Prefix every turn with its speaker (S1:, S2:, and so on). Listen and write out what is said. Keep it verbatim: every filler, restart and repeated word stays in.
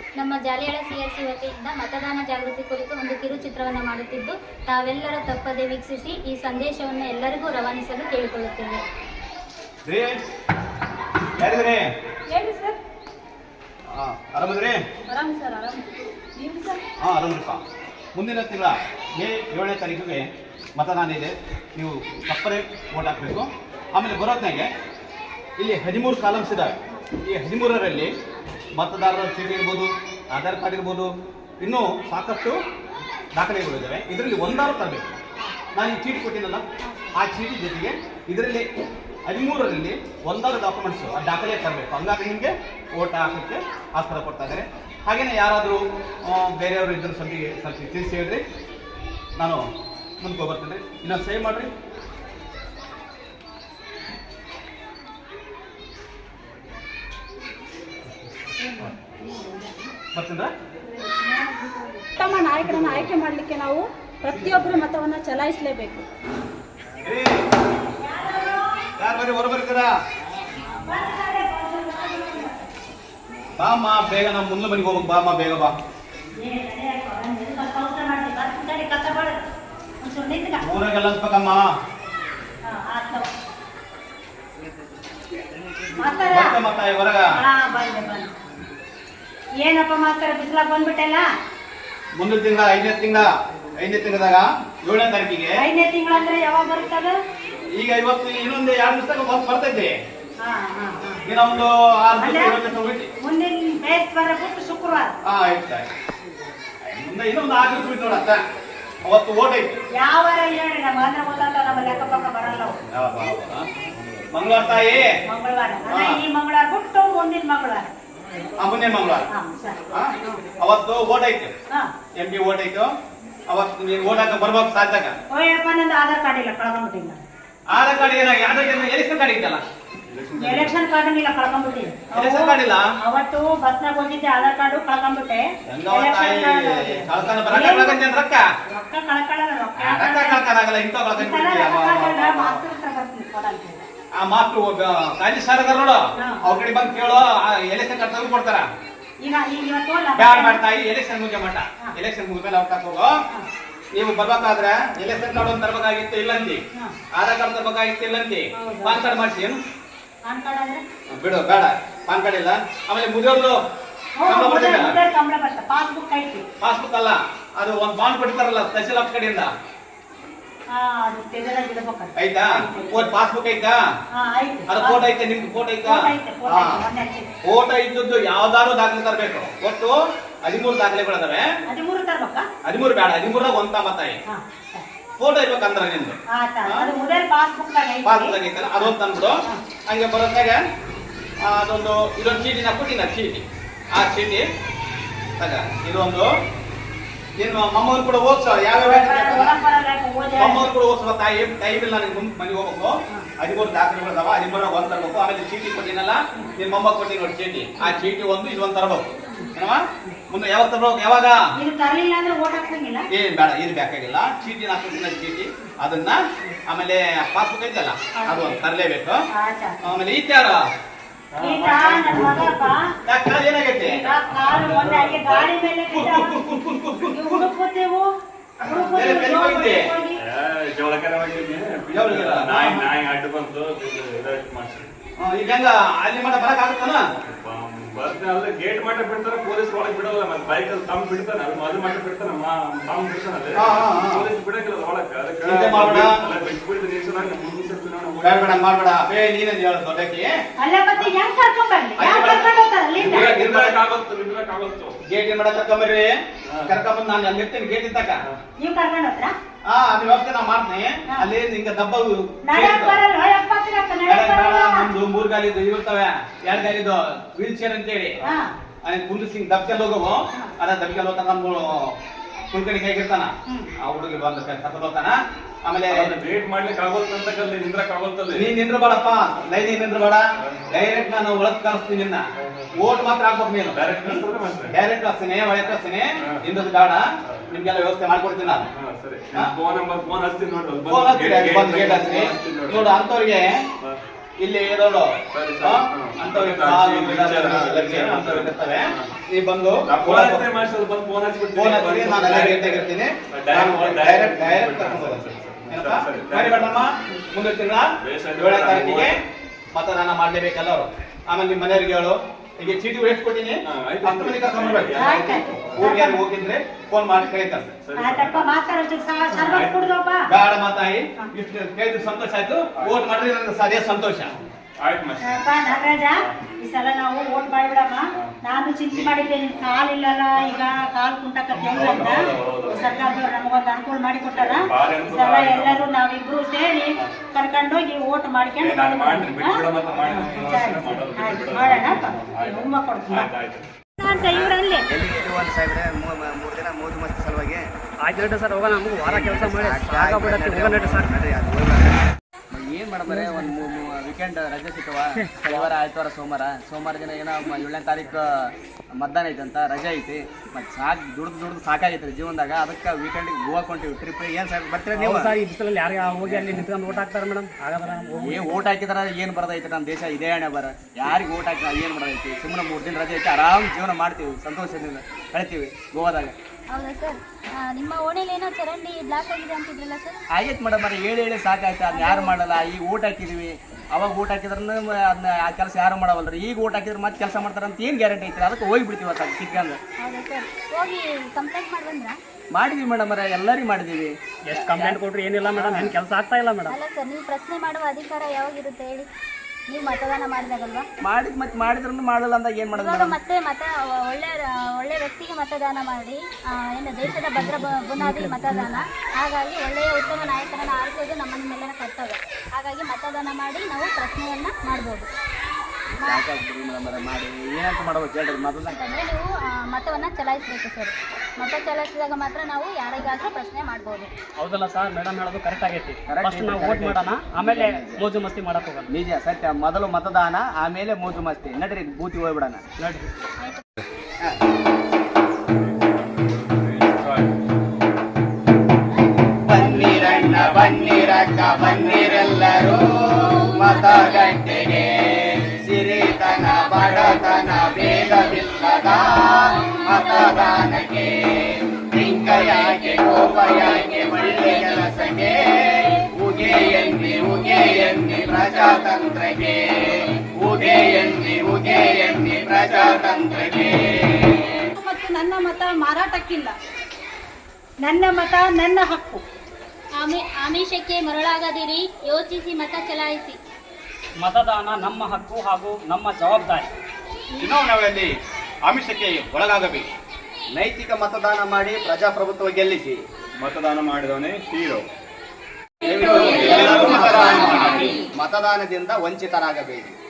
S1: ನಮ್ಮ ಜಾಲಿಯಾಳ ಸಿಆರ್ಸಿ ವತಿಯಿಂದ ಮತದಾನ ಜಾಗೃತಿ ಕುರಿತು ಒಂದು ಕಿರುಚಿತ್ರವನ್ನು ಮಾಡುತ್ತಿದ್ದು ತಾವೆಲ್ಲರೂ ತಪ್ಪದೆ ವೀಕ್ಷಿಸಿ ಈ ಸಂದೇಶವನ್ನು ಎಲ್ಲರಿಗೂ ರವಾನಿಸಲು ಕೇಳಿಕೊಳ್ಳುತ್ತೇವೆ.
S2: ಹೇಳಿ ಸರ್.
S3: ಆರಾಮದ್ರಿ?
S2: ಆರಾಮ್ ಸರ್. ಆರಾಮ್ ನೀವು ಸರ್?
S3: ಹಾಂ ಆರಾಮ್ರಿಪ್ಪ. ಮುಂದಿನ ತಿಂಗಳ ಮೇ ಏಳನೇ ತಾರೀಕಿಗೆ ಮತದಾನ ಇದೆ. ನೀವು ತಪ್ಪದೇ ವೋಟ್ ಹಾಕಬೇಕು. ಆಮೇಲೆ ಬರೋತ್ನಾಗೆ ಇಲ್ಲಿ ಹದಿಮೂರು ಕಾಲಮ್ಸ್ ಇದ್ದಾವೆ. ಈ ಹದಿಮೂರರಲ್ಲಿ ಮತದಾರರ ಚೀಟಿ ಇರ್ಬೋದು, ಆಧಾರ್ ಕಾರ್ಡ್ ಇರ್ಬೋದು, ಇನ್ನೂ ಸಾಕಷ್ಟು ದಾಖಲೆಗಳಿದ್ದಾವೆ. ಇದರಲ್ಲಿ ಒಂದಾರು ತರಬೇಕು. ನಾನು ಈ ಚೀಟಿ ಕೊಟ್ಟಿನಲ್ಲ, ಆ ಚೀಟಿ ಜೊತೆಗೆ ಇದರಲ್ಲಿ ಹದಿಮೂರರಲ್ಲಿ ಒಂದಾರು ಡಾಕ್ಯುಮೆಂಟ್ಸು ಆ ದಾಖಲೆ ತರಬೇಕು. ಹಂಗಾಗಿ ನಿಮಗೆ ಓಟ್ ಹಾಕೋಕ್ಕೆ ಆಸ್ಪದ ಕೊಡ್ತಾ ಇದ್ದಾರೆ. ಹಾಗೆಯೇ ಯಾರಾದರೂ ಬೇರೆಯವರು ಇದ್ದರೂ ಸ್ವಲ್ಪ ಸ್ವಲ್ಪ ತಿಳಿಸಿ ಹೇಳ್ರಿ, ನಾನು ಮುಂದೆ ಬರ್ತೀನಿ. ಇನ್ನೊಂದು ಸೇವ್ ಮಾಡಿರಿ.
S2: ಉತ್ತಮ ನಾಯಕರನ್ನು ಆಯ್ಕೆ ಮಾಡಲಿಕ್ಕೆ ನಾವು ಪ್ರತಿಯೊಬ್ಬರು ಮತವನ್ನು ಚಲಾಯಿಸಲೇಬೇಕು.
S3: ಬಾಮ್ಮ ಬೇಗ, ನಾವು ಮುಂದೆ ಮನೆಗೆ ಹೋಗ್ಬೇಕು. ಬಾಮ್ಮ ಬೇಗ ಬಾ. ಊರಾಗೆಲ್ಲ ಅನ್ಸ್ಬೇಕಮ್ಮ. ಹೊರಗ
S4: ಏನಪ್ಪ ಮಾಸ್ತರ ಬಿಸಿಲ ಬಂದ್ಬಿಟ್ಟಲ್ಲ.
S3: ಮುಂದಿನ ತಿಂಗಳ ಐದನೇ ತಿಂಗಳ ಐದನೇ ತಿಂಗಳದಾಗ ಏಳನೇ ತಾರೀಕಿಗೆ.
S4: ಐದನೇ ತಿಂಗಳ ಅಂದ್ರೆ ಯಾವಾಗ ಬರುತ್ತದ?
S3: ಈಗ ಇವತ್ತು ಇನ್ನೊಂದು ಎರಡು ದಿವಸ ಬರ್ತೈತೆ. ಇನ್ನ ಒಂದು ಆರು ದಿವಸ
S4: ಮುಂದಿನ ಬೇಸ್ವಾರ ಬಿಟ್ಟು ಶುಕ್ರವಾರ.
S3: ಹಾ ಆಯ್ತು. ಮುಂದೆ ಇನ್ನೊಂದು ಆರು ದಿವಸ ಬಿಟ್ಟು ನೋಡತ್ತ. ಅವತ್ತು ಓಟ್ ಐತಿ.
S4: ಯಾವ ಹೇಳಿ ನಮ್ಮ ಅಂದ್ರೆ ಗೊತ್ತಾತ, ನಮ್ಮ ಲೆಕ್ಕ ಪಕ್ಕ ಬರಲ್ಲ.
S3: ಮಂಗಳವಾರ ತಾಯಿ.
S4: ಮಂಗಳವಾರ ಈ ಮಂಗಳವಾರ ಬಿಟ್ಟು ಮುಂದಿನ ಮಂಗಳವಾರ.
S3: ಮುಂದಿನ ಮಂಗಳವಾರ ಅವತ್ತು ಓಟ್ ಐತೆ. ಎಂ ಪಿ ಓಟ್ ಐತು. ಅವತ್ತು ನೀವು ಓಟ್ ಹಾಕ ಬರ್ಬೇಕು ಸಾಧ್ಯಾಗ.
S4: ಓಯಪ್ಪ ನಂದು ಆಧಾರ್ ಕಾರ್ಡ್ ಇಲ್ಲ, ಕಳ್ಕೊಂಡ್ಬಿಟ್ಟಿಲ್ಲ.
S3: ಆಧಾರ್ ಕಾರ್ಡ್ ಏನಾಗಿ? ಎಲೆಕ್ಷನ್ ಕಾರ್ಡ್ ಇತ್ತಲ್ಲ.
S4: ಎಲೆಕ್ಷನ್ ಕಾರ್ಡ್ ಇಲ್ಲ, ಕಳ್ಕೊಂಡ್ಬಿಟ್ಟಿಲ್ಲ.
S3: ಎಲೆಕ್ಷನ್ ಕಾರ್ಡ್ ಇಲ್ಲ.
S4: ಅವತ್ತು ಬಸ್ನಾಗ ಹೋಗಿದ್ದೆ, ಆಧಾರ್ ಕಾರ್ಡ್ ಕಳ್ಕೊಂಡ್ಬಿಟ್ಟೆ.
S3: ರೊಕ್ಕ
S4: ರೊಕ್ಕ ಕಳ್ಕೊಳ್ಳಲ್ಲ. ರೊಕ್ಕ
S3: ಕಳ್ಕೊಳ್ಳಾಗಲ್ಲ. ಇಂಥ ಆ ಮಾತು ಕಾಜಿ ಸರ್ ಅದಾರ ನೋಡು, ಅವ್ರ ಕಡೆ ಬಂದು ಕೇಳೋ. ಎಲೆಕ್ಷನ್ ಕಾರ್ಡ್ ತೆಗೆದು ಕೊಡ್ತಾರ.
S4: ಈಗ ಇವತ್ತು
S3: ಬ್ಯಾಡ್ ಮಾಡ್ತಾಯಿ. ಎಲೆಕ್ಷನ್ ಮುಗಿಯ ಮಟ್ಟ. ಎಲೆಕ್ಷನ್ ಮುಗಿದ್ಮೇಲೆ ಅವ್ರ ತಗೋಗೋ. ನೀವು ಬರ್ಬೇಕಾದ್ರೆ ಎಲೆಕ್ಷನ್ ಕಾರ್ಡ್ ಒಂದು ತರಬೇಕಾಗಿತ್ತು ಇಲ್ಲಂತಿ, ಆಧಾರ್ ಕಾರ್ಡ್ ತರಬೇಕಾಗಿತ್ತು ಇಲ್ಲಂತಿ, ಪಾನ್ ಕಾರ್ಡ್ ಮಾಡಿಸಿ. ಏನು ಬಿಡು, ಬೇಡ ಪಾನ್ ಕಾರ್ಡ್ ಇಲ್ಲ. ಆಮೇಲೆ ಮುಗಿಯೋದು
S4: ಪಾಸ್ಬುಕ್ ಐತಿ.
S3: ಪಾಸ್ಬುಕ್ ಅಲ್ಲ, ಅದು ಒಂದು ಬಾಂಡ್ ಕೊಡ್ತಾರಲ್ಲ ತಹಸೀಲ್ ಆಫೀಸ್ ಕಡೆಯಿಂದ. ಆಯ್ತಾ? ಪಾಸ್ಬುಕ್ ಐತಾ? ಅದು ಫೋಟೋ ಐತೆ. ನಿಮ್ದು ಫೋಟೋ ಐತಾ? ಫೋಟೋ ಇದ್ದದ್ದು ಯಾವ್ದಾದ್ರು ದಾಖಲೆ ತರಬೇಕು. ಒಟ್ಟು ಹದಿಮೂರು ದಾಖಲೆಗಳಿದಾವೆ. ಹದಿಮೂರು ಬೇಡ, ಹದಿಮೂರಾಗ ಒಂದ ಮತ್ತಾಯಿ ಫೋಟೋ ಇರ್ಬೇಕಂದ್ರ ನಿಮ್ದು ಪಾಸ್ಬುಕ್ ಐತಲ್ಲ, ಅದೊಂದು ತಂದ್ಬಿಡು. ಹಂಗೆ ಬರೋದಾಗ ಅದೊಂದು ಇದೊಂದು ಚೀಟಿ ನಾ ಕೊಟ್ಟಿನ ಚೀಟಿ. ಆ ಚೀಟಿ ತಗ. ಇದೊಂದು ನೀನು ಮಮ್ಮವ್ರು ಕೂಡ ಓದ್ಸ. ಯಾವ್ಯಾವ ಮಮ್ಮವ್ರು ಕೂಡ ಓದ್ಸುವ. ತಾಯಿ ಟೈಮ್ ಇಲ್ಲ ನನಗೆ ಮುಂದೆ ಮನೆಗೆ ಹೋಗ್ಬೇಕು. ಹದಿಮೂರು ದಾಖಲೆಗಳು ಅದಾವ. ಹದಿಮೂರಾಗ ಒಂದ್ ತರಬೇಕು. ಆಮೇಲೆ ಚೀಟಿ ಕೊಟ್ಟಿನಲ್ಲ, ನಿನ್ ಮೊಮ್ಮ ಕೊಟ್ಟಿನ ನೋಡಿ ಚೀಟಿ. ಆ ಚೀಟಿ ಒಂದು ಇದೊಂದು ತರಬೇಕು. ಏನವ ಮುಂದೆ ಯಾವಾಗ ತರಬೇಕು? ಯಾವಾಗ? ಏನ್ ಬೇಡ, ಇದು ಬೇಕಾಗಿಲ್ಲ. ಚೀಟಿ ಹಾಕೊಟ್ಟಿನ ಚೀಟಿ ಅದನ್ನ, ಆಮೇಲೆ ಪಾಸ್ಬುಕ್ ಐತಲ್ಲ ಅದು ಒಂದು ತರಲೇಬೇಕು. ಆಮೇಲೆ ಈ ತ್ಯಾರ ಏನಾಗೈತಿ? ಈಗ ಹೆಂಗ ಅಲ್ಲಿ ಮಟ್ಟ ಬರಕ್ ಆಗುತ್ತಾನ?
S5: ಗೇಟ್ ಮಟ್ಟ ಬಿಡ್ತಾರ, ಪೊಲೀಸ್ ಒಳಗೆ ಬಿಡಲ್ಲ. ಮತ್ತೆ ಬೈಕ್ ಅಲ್ಲಿ ತಮ್ಮ ಬಿಡ್ತಾನ, ಅದು ಮಟ್ಟ ಬಿಡ್ತಾನ, ತಾವು ಬಿಡ್ತಾನ. ಪೊಲೀಸ್ ಬಿಡಂಗಿಲ್ಲ ಒಳಗೆ. ಅದಕ್ಕೆ
S3: ಮಾಡ್ಬೇಡ. ಬೇ ನೀನೇ ಹೇಳ ದೊಡ್ಡಕ್ಕೆ. ಗೇಟ್ ಏನ್ ಮಾಡಕ್ ಕರ್ಕೊಂಬರ್ರಿ. ಕರ್ಕೊಂಬಂದ್ ನಾನು ಅಲ್ಲಿ ಇರ್ತೀನಿ ಗೇಟ್ ಇತ್ತಕ. ಹಾ ಅದ್ ವ್ಯವಸ್ಥೆ ನಾ ಮಾಡ್ತೀನಿ. ಅಲ್ಲಿ ಹಿಂಗ ದಬ್ಬ ಒಂದು ಮೂರ್ ಗಾಲಿದು ಇರ್ತವೆ, ಎರಡ್ ಗಾಲಿದು ವೀಲ್ ಚೇರ್ ಅಂತೇಳಿ ಕುಂದಿಸಿ ದಬ್ಕಲ್ ಹೋಗವು. ಅದ ದಬ್ಕಲ್ ಹೋಗ್ತಾನ. ನಮ್ಮ ಕುಲ್ಕಡಿ ಕೈಗಿರ್ತಾನ, ಆ ಹುಡುಗಿ ಬಂದ ಕರ್ಕೊಂಡು ಹೋಗ್ತಾನ. ಆಮೇಲೆ
S5: ವೇಟ್ ಮಾಡ್ಲಿಕ್ಕೆ ಆಗೋತ್ತಂತ ನಿಂದ್ರಕ್ ಆಗೋತ್ತಲ್ಲ.
S3: ನೀನ್ ನಿಂದ್ರ ಬೇಡಪ್ಪ, ಲೈನ್ ನಿಂದ್ರ ಬೇಡ. ಡೈರೆಕ್ಟ್ ನಾನು ಒಳಗ್ ಕಳಿಸ್ತೀನಿ. ನಿನ್ನ ಓಟ್ ಮಾತ್ರ ಹಾಕ್ಬೇಕು. ನೀನು ಡೈರೆಕ್ಟ್ ಕಳಿಸ್ತೀನಿ, ಒಳಗೆ ಕಳಿಸ್ತೀನಿ. ನಿಂದದು ಬೇಡ. ನಿಮ್ಗೆಲ್ಲ ವ್ಯವಸ್ಥೆ ಮಾಡ್ಕೊಡ್ತೀನಿ ನಾನು. ನೋಡು ಅಂತವ್ರಿಗೆ ಇಲ್ಲಿ ಇರೋದು
S5: ಸರಿ, ಸರಿ.
S3: ಆ,
S5: ಹ್ಮ್.
S3: ಅಂಥವ್ರಿಗೆ
S5: ಹ್ಮ್.
S3: ಕಾಲು
S5: ಹ್ಮ್.
S3: ಗಿಡ,
S5: ಹ್ಮ್.
S3: ಲಗ್ಗೆ ಅಂಥವ್ರು ಇರ್ತವೆ. ನೀವು ಬಂದು
S5: ಫೋನ್ ಹಚ್ಚಿ ಮಾಡಿಸೋದು ಬಂದು ಫೋನ್ ಹಚ್ಚಿಬಿಡ್ತೀನಿ.
S3: ಫೋನ್ ಹಚ್ಚಿ ನಾನು ಅಲ್ಲೇ ಗೇಟಾಗಿರ್ತೀನಿ. ನಾನು ಡೈರೆಕ್ಟ್ ಡೈರೆಕ್ಟ್ ಕರ್ಕೊಂಡು ಹೋಗೋದು. ಏನಪ್ಪಾ? ಸರಿ ಮೇಡಮ್ಮ, ಮುಂದೆ ತಿಂಗಳ ಏಳನೇ ತಾರೀಕಿಗೆ ಮತದಾನ ಮಾಡ್ಲೇಬೇಕಲ್ಲ ಅವರು. ಆಮೇಲೆ ನಿಮ್ಮ ಮನೆಯವ್ರಿಗೆ ಹೇಳು, ಈಗ ಚೀಟಿ ಎಷ್ಟು ಕೊಟ್ಟಿನಿ
S5: ಹಾ, ಆಯ್ತು.
S3: ಹತ್ತು ಮನೆಗೆ ಕರ್ಕೊಂಡು ಬರ್ಬೇಕು.
S4: ಆಯ್ತು, ಆಯ್ತು.
S3: ಊರಿಗೆ ಯಾರು ಹೋಗಿದ್ರೆ ಫೋನ್ ಮಾಡಿ ಕರೀತಾರೆ.
S4: ಆಯ್ತಪ್ಪ ಮಾತಾಡೋದು ಸರ್ವತ್ ಕುಡ್ದಪ್ಪ
S3: ಬೇಡ ಮಾತಾಯಿ, ಇಷ್ಟು ಕೇಳಿದ್ರೆ ಸಂತೋಷ ಆಯ್ತು. ವೋಟ್ ಮಾಡಿದ್ರೆ ನನಗೆ ಸರಿಯಾದ ಸಂತೋಷ.
S5: ಆಯ್ತು ಮಾಸ್ಟರ್.
S4: ಅಪ್ಪ ನಾಗರಾಜ, ಈ ಸಲ ನಾವು ಓಟ್ ಮಾಡಿಬಿಡಮ್ಮ. ನಾನು ಚಿಂತೆ ಮಾಡಿದ್ದೆ, ನಿನ್ ಕಾಲಿಲ್ಲಲ್ಲ, ಈಗ ಕಾಲ್ ಕುಂಟಕತ್ತೆ ಅಂತ ಸರ್ಕಾರದವ್ರು ನಮಗೊಂದು ಅನುಕೂಲ ಮಾಡಿ ಕೊಟ್ಟಾರ. ಈ ಸಲ ಎಲ್ಲರೂ ನಾವಿಬ್ರು ಸೇರಿ ಕರ್ಕೊಂಡೋಗಿ ಓಟ್ ಮಾಡ್ಕೊಂಡು
S5: ನಾನು ಮಾಡ್ತೀನಿ, ಬಿಟ್ಬಿಡು ಮತ್ತೆ ಮಾಡಿ.
S4: ಆಯ್ತು, ಮಾಡೋಣಪ್ಪ. ಹುಮ್ಮ ಕೊಡ್ತೀನಿ
S5: ಆಯ್ತು, ಆಯ್ತು.
S4: ಅಂತ ಇವರಲ್ಲಿ
S6: ಒಂದು ಸಾಹೇಬ್ರೆ ಮೂರು ದಿನ ಮೋಜು ಮಸ್ತಿ ಸಲುವಾಗಿ
S7: ಆಯ್ತು ಸರ್ ಹೋಗೋಣ, ನಮಗೂ ವಾರ ಕೆಲಸ ಮಾಡಿ ಸಾಕಾಗ್ಬಿಡತ್ತೆ, ಹೋಗೋಣ ಸರ್.
S6: ಏನು ಮಾಡಬಾರೆ ಒಂದು ವೀಕೆಂಡ್ ರಜೆ ಸಿಕ್ಕವ, ಶನಿವಾರ ಆಯ್ತವಾರ ಸೋಮವಾರ ಸೋಮವಾರ ದಿನ ಏನೋ ಏಳನೇ ತಾರೀಕು ಮತದಾನ ಐತಂತ ರಜೆ ಐತಿ. ಮತ್ತು ಸಾಕು ದುಡ್ದು ದುಡ್ದು ಸಾಕಾಗೈತೆ ಜೀವನದಾಗ. ಅದಕ್ಕೆ ವೀಕೆಂಡಿಗೆ ಗೋವಾ ಕೊಂಟಿವಿ ಟ್ರಿಪ್. ಏನು ಸರ್ ಬರ್ತೀರಾ ನೀವು?
S7: ಸರ್ ಈ ಬಿಸಿಲಲ್ಲಿ ಯಾರಿಗೆ ಹೋಗಿ ಅಲ್ಲಿ ನಿಂತ್ಕೊಂಡು ಓಟ್ ಹಾಕ್ತಾರೆ ಮೇಡಮ್? ಹಾಗಾದ್ರೆ
S6: ಏ ಓಟ್ ಹಾಕಿದಾರ ಏನು ಬರೋದೈತೆ? ನಮ್ಮ ದೇಶ ಇದೇ ಹಣೆ ಬರ. ಯಾರಿಗೆ ಓಟ್ ಹಾಕಿ ಏನು ಬರೋದೈತಿ? ಸುಮ್ಮನೆ ಮೂರು ದಿನ ರಜೆ ಐತಿ, ಆರಾಮ್ ಜೀವನ ಮಾಡ್ತೀವಿ, ಸಂತೋಷದಿಂದ ಕಳಿತೀವಿ ಗೋವಾದಾಗ.
S1: ಹೌದಾ ಸರ್? ಆ, ನಿಮ್ಮ ಓಣೆಲಿ ಏನೋ ಚರಂಡಿ ಬ್ಲಾಕ್ ಆಗಿದೆ ಅಂತಿದ್ರಲ್ಲ ಸರ್?
S6: ಆಗೈತೆ ಮೇಡಮ್, ಬರೀ ಹೇಳಿ ಹೇಳಿ ಸಾಕಾಯ್ತು. ಅದನ್ನ ಯಾರು ಮಾಡಲ್ಲ. ಈಗ ಓಟ್ ಹಾಕಿದೀವಿ, ಅವಾಗ ಓಟ್ ಹಾಕಿದ್ರನ್ನ ಅದನ್ನ ಆ ಕೆಲಸ ಯಾರು ಮಾಡವಲ್ರಿ. ಈಗ ಓಟ್ ಹಾಕಿದ್ರೆ ಮತ್ತೆ ಕೆಲಸ ಮಾಡ್ತಾರೆ ಅಂತ ಏನು ಗ್ಯಾರಂಟಿ ಐತಿ? ಅದಕ್ಕೆ ಹೋಗಿ ಬಿಡ್ತೀವಿ ಅದು ಕಿತ್ಕೊಂಡು.
S1: ಹೌದಾ ಸರ್? ಹೋಗಿ ಕಂಪ್ಲೇಂಟ್ ಮಾಡಿ ಬಂದ್ರಾ?
S6: ಮಾಡಿದ್ವಿ ಮೇಡಮ್, ಅರ ಎಲ್ಲರಿಗೂ ಮಾಡಿದ್ದೀವಿ.
S7: ಎಷ್ಟು ಕಂಪ್ಲೇಂಟ್ ಕೊಟ್ಟರು ಏನಿಲ್ಲ ಮೇಡಮ್, ಏನು ಕೆಲಸ ಆಗ್ತಾ ಇಲ್ಲ ಮೇಡಮ್.
S1: ಅಲ್ಲ ಸರ್, ನೀವು ಪ್ರಶ್ನೆ ಮಾಡುವ ಅಧಿಕಾರ ಯಾವಾಗಿರುತ್ತೆ ಹೇಳಿ? ನೀವು ಮತದಾನ ಮಾಡಿದಾಗಲ್ವಾ?
S6: ಮಾಡಿದ್ ಮತ್ತೆ ಮಾಡಿದ್ರೂ ಮಾಡಲ್ಲ ಅಂದಾಗ ಏನು ಮಾಡೋದು
S1: ಇವಾಗ
S6: ಮೇಡಮ್?
S1: ಮತ್ತೆ ಮತ ಒಳ್ಳೆ ಒಳ್ಳೆ ವ್ಯಕ್ತಿಗೆ ಮತದಾನ ಮಾಡಿ, ಆ, ಏನು ದೇಶದ ಭದ್ರ ಬ- ಬುನಾದಿ ಮತದಾನ. ಹಾಗಾಗಿ ಒಳ್ಳೆಯ ಉತ್ತಮ ನಾಯಕರನ್ನು ಆರಿಸೋದು ನಮ್ಮ ನಿಮ್ಮೆಲ್ಲರ ಕರ್ತವ್ಯ. ಹಾಗಾಗಿ ಮತದಾನ ಮಾಡಿ ನಾವು ಪ್ರಶ್ನೆಯನ್ನ ಮಾಡ್ಬೋದು.
S6: ಸಾಕಾಗ್ಬಿಡ್ರಿ ಮೇಡಮ್, ಅರ ಮಾಡಿ ಏನಂತ ಮಾಡ್ಬೇಕು ಹೇಳ್ರಿ ಮೊದಲ.
S1: ಯಾಕಂದ್ರೆ ನೀವು ಆ, ಮತವನ್ನ ಚಲಾಯಿಸಬೇಕು ಸರ್. ಮತ ಚಲಾಯಿಸಿದಾಗ ಮಾತ್ರ ನಾವು ಯಾರಿಗಾದ್ರೂ ಪ್ರಶ್ನೆ ಮಾಡ್ಬೋದು.
S7: ಹೌದಲ್ಲ ಸರ್, ಮೇಡಮ್ ಹೇಳೋದು ಕರೆಕ್ಟ್ ಆಗೈತಿ.
S6: Correct
S7: ಫಸ್ಟ್ ನಾವು
S6: ಐತಿ,
S7: ಓಟ್ ಮಾಡೋಣ, ಆಮೇಲೆ ಮೋಜು ಮಸ್ತಿ ಮಾಡಕ್ ಹೋಗೋಣ.
S6: ನಿಜ ಸತ್ಯ. ಮೊದಲು ಮತದಾನ, ಆಮೇಲೆ ಮೋಜು ಮಸ್ತಿ. ನಡ್ರಿ ಬೂತಿ ಹೋಗ್ಬಿಡೋಣ.
S7: ನಡ್ರಿ.
S6: ಬನ್ನಿರಣ್ಣ ಬನ್ನಿರಕ್ಕ ಬನ್ನಿರೆಲ್ಲರೂ ಮತಗಟ್ಟೆಗೆ. ಸಿರಿತನ ಬಡತನ ಭೇದವಿಲ್ಲದ ಮತದಾನಕ್ಕೆ. ಲಿಂಗಯಾಗೆ ಕೋಪಯಾಗೆ ಒಳ್ಳೆ ಕೆಲಸಕ್ಕೆ. ಉಗೆ ಎನ್ನಿ ಉಗೆ ಎನ್ನಿ ಪ್ರಜಾತಂತ್ರಕ್ಕೆ. ಉಗೆ ಎನ್ನಿ ಉಗೆ ಎನ್ನಿ ಪ್ರಜಾತಂತ್ರಕ್ಕೆ.
S2: ಮತ್ತು ನನ್ನ ಮತ ಮಾರಾಟಕ್ಕಿಲ್ಲ.
S4: ನನ್ನ ಮತ ನನ್ನ ಹಕ್ಕು.
S1: ಆಮಿ ಆಮಿಷಕ್ಕೆ ಮರಳಾಗದಿರಿ, ಯೋಚಿಸಿ ಮತ ಚಲಾಯಿಸಿ.
S7: ಮತದಾನ ನಮ್ಮ ಹಕ್ಕು ಹಾಗೂ ನಮ್ಮ ಜವಾಬ್ದಾರಿ.
S3: ಚುನಾವಣೆಯಲ್ಲಿ ಆಮಿಷಕ್ಕೆ ಒಳಗಾಗಬೇಕು.
S6: ನೈತಿಕ ಮತದಾನ ಮಾಡಿ ಪ್ರಜಾಪ್ರಭುತ್ವ ಗೆಲ್ಲಿಸಿ.
S5: ಮತದಾನ ಮಾಡಿದವನೇ ಹೀರೋ.
S3: ಎಲ್ಲರೂ ಮತದಾನ ಮಾಡಿ.
S6: ಮತದಾನದಿಂದ ವಂಚಿತರಾಗಬೇಡಿ.